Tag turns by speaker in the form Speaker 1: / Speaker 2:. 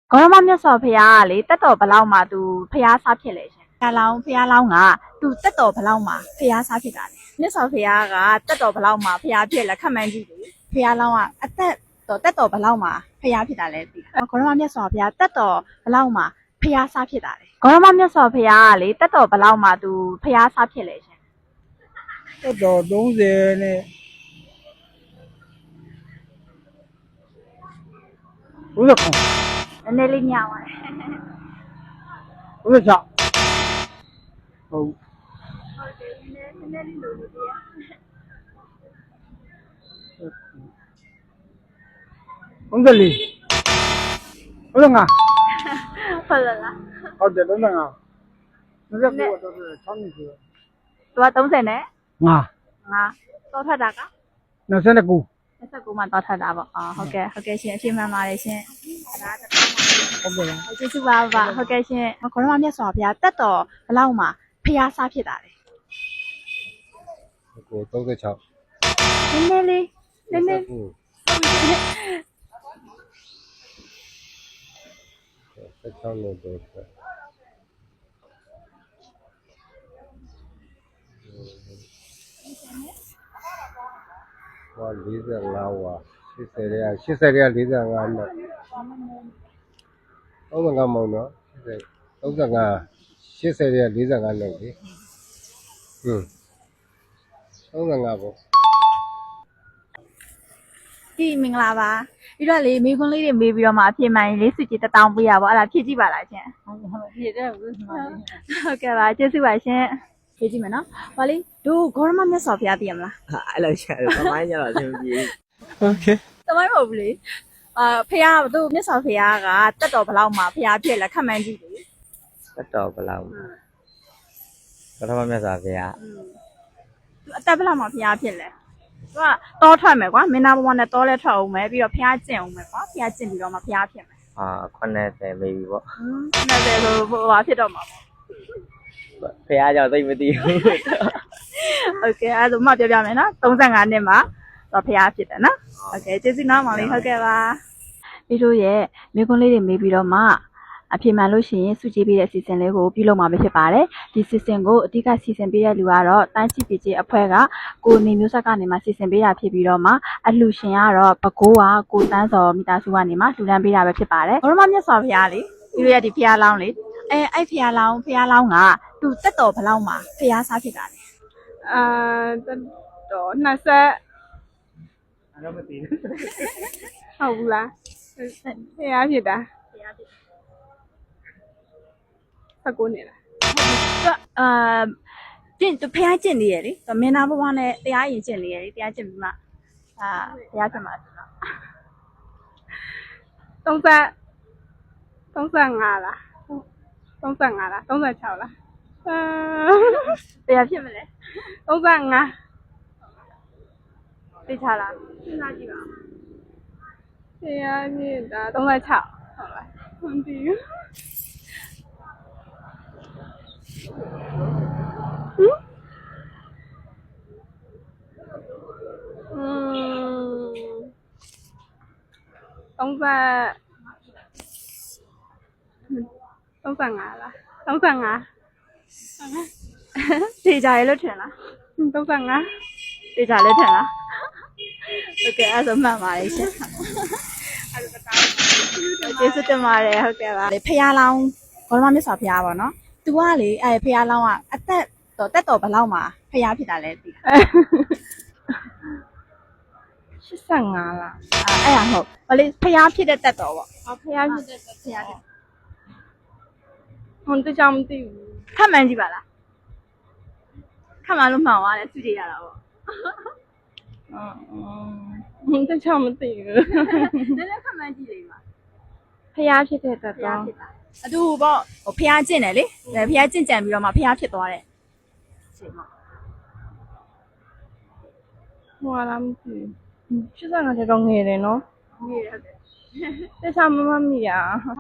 Speaker 1: ကောရမမြတ်စွာဘုရားကလေတက်တော်ဘလောက်မှသူဖျားစားဖြစ်လေရှင်ဖျားလောင်းကသူတက်တော်ဘလောက်မှဖျားစားဖြစ်တာလေမြတ်စွာဘုရားကတက်တော်ဘလောက်မှဖျားဖြစ်လဲခက်မှန်းကြည့်လေဖျားလောင်းကအသက်တော်တက်တော်ဘလောက်မှဖျားဖြစ်တာလဲသိလားကောရမမြတ်စွာဘုရားတက်တော်ဘလောက်မှဖျားစားဖြစ်တာလေကောရမမြတ်စွာဘုရားကလေတက်တော်ဘလောက်မှသူဖျားစားဖြစ်လေရှင်
Speaker 2: တက်တော်30နဲ့ဦးဇခုံ
Speaker 1: နည်းနည်းလေးညောင်းပါတယ်
Speaker 2: ဦးဇချဟုတ်
Speaker 1: ဟုတ်တယ်နည်းနည်းလေးလိုလိုပြရ
Speaker 2: 34ဦးဇငါ
Speaker 1: ဟုတ်လား
Speaker 2: ဟုတ်တယ်35 29တော့6နှစ်ဆို
Speaker 1: သူက30နဲ့
Speaker 2: ငါ
Speaker 1: တော့ထွက်တာက
Speaker 2: 29
Speaker 1: မှတော့ထွက်တာပေါ့ဟုတ်ကဲ့ရှင်အပြည့်မှန်ပါတယ်ရှင်ဒါ
Speaker 2: ဟုတ်ကဲ့
Speaker 1: ကျေးဇူးပါဟုတ်ကဲ့ရှင်ခေါရမမြတ်စွာဘုရားတက်တော်ဘလောက်မှဖျားစားဖြစ်တာလေ
Speaker 2: ကို36
Speaker 1: နည်းနည်းလေး
Speaker 2: 16လို့တော့ဟော45ဝါ80ရ45နဲ့35မောင်နော်35 80ရ45နဲ့လေ35ပေါ့
Speaker 1: ဒီမင်္ဂလာပါပြီးတော့လေမိခွန်းလေးတွေမေးပြီးတော့မှအဖြစ်မှန်ရင်လေးစုကြည်1000ပေးရပါအဲ့ဒါဖြည့်ကြည့်ပါလားရှင်
Speaker 2: ဟုတ်ဖြည့်တယ်ဦးစမလေး
Speaker 1: ဟုတ်ကဲ့ပါကျေးဇူးပါရှင်ဖြည့်ကြည့်မယ်နော်ဟောလေတို့ဂေါရမမြတ်စွာဘုရားသိရမလား
Speaker 3: အဲ့လိုရှာတယ်သမိုင်းကြတော့အဆင်မပြေ
Speaker 2: โอเค
Speaker 1: သမိုင်းမဟုတ်ဘူးလေဖះတို့မြတ်စွာဘုရားကတက်တော်ဘလောက်မှဖះဖြစ်လဲခက်မှန်းကြည့်လေ
Speaker 3: တက်တော်ဘလောက်ပထမမြတ်စွာဘုရား
Speaker 1: သူအတက်ဘလောက်မှဖះဖြစ်လဲသူကတောထွက်မယ်ကွာမင်းသားဘဝနဲ့တောလဲထွက်အောင်မယ်ပြီးတော့ဖះကျင့်အောင်မယ်ကွာဖះကျင့်ပြီးတော့မှဖះဖြစ်မယ်
Speaker 3: 80 maybe ပေါ့
Speaker 1: 90ဆိုဟိုဟာဖြစ်တော့မှာ
Speaker 3: ပေါ့ဘုရားကြောင့်သိမသိဘူး
Speaker 1: โอเคအဲ့ဒါမှပြောပြမယ်နော်35နှစ်မှာတော့ဖះဖြစ်တယ်နော်โอเคကျေးဇူးနော်မောင်လေးဟုတ်ကဲ့ပါပြီးတို့ရဲ့မိကွန်းလေးတွေမေးပြီးတော့မှအဖြစ်မှန်လို့ရှိရင်စုကြည်ပေးတဲ့စီစဉ်လေးကိုပြုလုပ်မှာဖြစ်ပါတယ်ဒီစီစဉ်ကိုအဓိကစီစဉ်ပေးတဲ့လူကတော့တန်းချစ်ပီကြီးအဖွဲ့ကကိုနေမျိုးဆက်ကနေမှစီစဉ်ပေးတာဖြစ်ပြီးတော့မှအလှရှင်ကတော့ဘကိုးကကိုတန်းစော်မိသားစုကနေမှလှူဒန်းပေးတာပဲဖြစ်ပါတယ်ဘောရမမြတ်စွာဘုရားလေပြီးတို့ရဲ့ဒီဖះလောင်းလေအဲ့ဖះလောင်းကသူတက်တော်ဘလောက်မှာဖះစားဖြစ်တာလေ
Speaker 4: တက်တော်20
Speaker 2: အဲ့တော့မသိဘူး
Speaker 4: ဟုတ်ဘူးလားဖះဖြစ်တာ19နှစ်လား
Speaker 1: သူဖះကျင့်နေရလေမင်းသားဘဝနဲ့တရားရင်ကျင့်နေရလေတရားကျင့်ပြီးမှဖះဖြစ်မှာဆိုတော့
Speaker 4: 35လား35လား36လား
Speaker 1: တရားဖြစ်မလဲ
Speaker 4: 35
Speaker 1: သိချလားစဉ်းစားကြည့်ပါဦး
Speaker 4: ဖះဖြစ်တာ36ဟုတ်လားမသိဘူး35လား35
Speaker 1: တေချာရလို့ထင်လား
Speaker 4: 35
Speaker 1: တေချာလည်းထင်လားโอเคအဲ့ဒါမှန်ပါလေရှင်ကျေးဇူးတင်ပါတယ်ဟုတ်ကဲ့ပါဖះလောင်းဘောရမမြတ်စွာဘုရားပေါ့နော်သူကလေအဲ့ဖះလောင်းကအသက်တက်တော်ဘလောက်မှာဖះဖြစ်တာလဲသိလား
Speaker 4: 85လား
Speaker 1: အဲ့ဒါဟုတ်ဘာလဲဖះဖြစ်တဲ့တက်တော်ပေါ့
Speaker 4: ဖះဖြစ်တဲ့ဖះဖြစ်ဟွန်းတခြားမသိဘူး
Speaker 1: ခက်မှန်းကြည့်ပါလားခက်မှန်းလို့မှန်သွားတယ်သူကြည့်ရတာပေါ့
Speaker 4: ဟွန်းတခြားမသိဘူး
Speaker 1: နည်းနည်းခက်မှန်းကြည့်လေပါ
Speaker 4: ဖះဖြစ်တဲ့တက်တော်
Speaker 1: အတူပေါ့ဟိုဖះကျင့်တယ်လေဖះကျင့်ကြံပြီးတော့မှဖះဖြစ်သွားတယ်ချိန်မှာ
Speaker 4: ဟိုလားမသိဘူး85တဲ့တော့ငယ်တယ်နော်
Speaker 1: ငယ်တယ်ဟုတ်တယ်
Speaker 4: တခြားမမမိရ